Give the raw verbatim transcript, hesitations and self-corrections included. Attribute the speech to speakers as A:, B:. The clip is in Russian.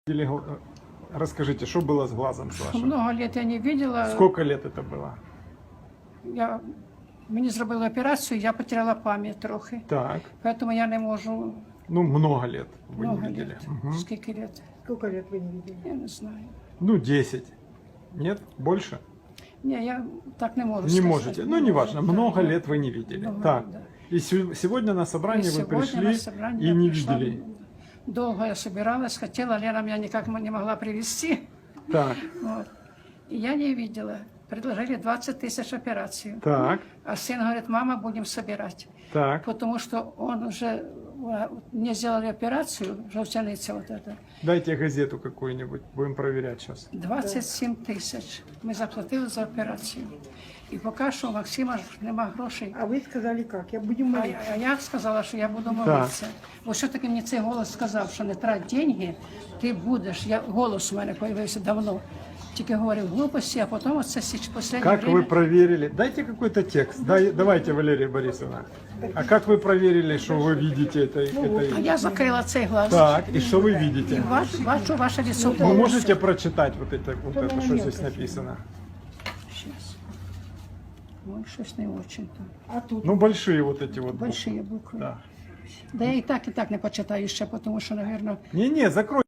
A: Или, э, расскажите, что было с глазом с вашим?
B: Много лет я не видела.
A: Сколько лет это было?
B: Я, мені зробили операцію, я потеряла пам'ять трохи.
A: Так,
B: Поэтому я не можу
A: ну много лет вы
B: много
A: не видели.
B: лет.
A: Мгм.
B: Скільки лет?
C: Сколько лет вы не видели?
B: Я не знаю.
A: Ну десять. Нет? Больше?
B: Ні, я так не можу
A: Не
B: сказати.
A: можете. Ну неважно,
B: Да,
A: много
B: да.
A: лет вы не видели.
B: Много
A: Так.
B: лет, да.
A: И се- сегодня на
B: И
A: собрание вы
B: сегодня
A: пришли
B: на собрание
A: и
B: я
A: не
B: пришла.
A: видели.
B: Долго я собиралась, хотела, Лена меня никак не могла привести.
A: Так,
B: Вот. И я не видела. Предложили двадцать тысяч операцию.
A: так,
B: А сын говорит, мама, будем собирать.
A: так.
B: Потому что он уже, а, мне сделали операцию, желтяница вот эта,
A: Дайте газету какую-нибудь, будем проверять сейчас.
B: двадцять сім тисяч ми заплатили за операцію. І поки що у Максима ж нема грошей.
C: А вы сказали как? Я будем
B: А,
C: молиться.
B: я- а я сказала, що я буду молитися. Бо все-таки мені цей голос сказав, що не трать деньги, ти будеш. Я, голос у мене з'явився давно. Тільки говорив глупості, а потім оце в останнє
A: Как
B: время...
A: вы проверили? Дайте какой-то текст. Дай, давайте, Валерия Борисовна. А как вы проверили, что вы видите это? это...
B: А я закрила цей глаз.
A: Так, и что вы
B: І
A: видите?
B: бач, бачу ваше лицо.
A: Вы можете прочитать вот это, вот это, что здесь написано?
B: Щас. Ой, щось не очень-то.
C: А тут?
A: Ну, большие вот эти вот буквы.
B: Большие букви.
A: Да.
B: Да я і так, і так не почитаю ще, тому що, мабуть,
A: Не-не, закрой.